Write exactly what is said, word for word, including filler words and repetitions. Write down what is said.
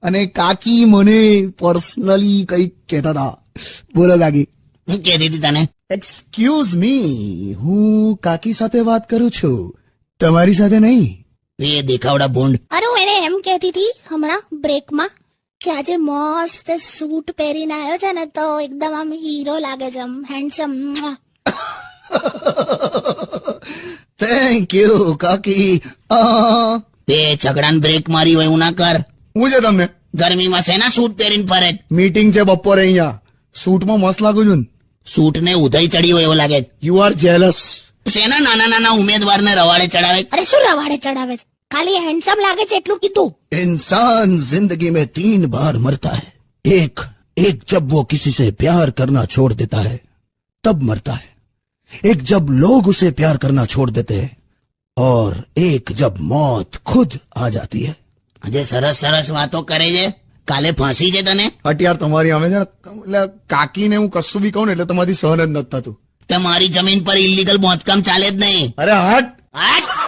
અને કાકી મને પર્સનલી કઈક કહેતા હતા. બોલો કાકી. હું કહેતી હતી તને? એક્સક્યુઝ મી, હું કાકી સાથે વાત કરું છું, તમારી સાથે નહીં. એ દેખાવડા ભૂંડ. અરે હું એને એમ કહેતી હતી હમણાં બ્રેકમાં કે આજે મસ્ત સૂટ પહેરીને આવ્યો છે ને તો એકદમ આમ હીરો લાગે છે, આમ હેન્ડસમ. થેન્ક યુ કાકી. તે છગડાને બ્રેક મારી હોય એવું ના કર. હું છે તમને ગરમીમાં શેના સૂટ પહેરીને ફરે? મીટિંગ છે બપોરે અહીંયા, સૂટમાં મસ્ત લાગુ છું. સૂટ ને ઉધઈ ચડી હોય એવું લાગે. You are jealous. શેના નાના નાના ઉમેદવારને રવાડે ચડાવે? અરે શું રવાડે ચડાવે છે, ખાલી હેન્ડસમ લાગે છે એટલું કીધું. इंसान जिंदगी में तीन बार मरता है. एक एक जब वो किसी से प्यार करना छोड़ देता है तब मरता है, एक जब लोग उसे प्यार करना छोड़ देते हैं, और एक जब मौत खुद आ जाती है. આજે સરસ સરસ વાતો કરે છે, કાલે ફાંસી છે તને. અત્યાર તમારી અમે છે ને, એટલે કાકીને હું કશું બી કહું ને એટલે તમારી સહન જ નથી થતું. તમારી જમીન પર ઇલીગલ બાંધકામ ચાલે જ નહીં. અરે હટ. હટ.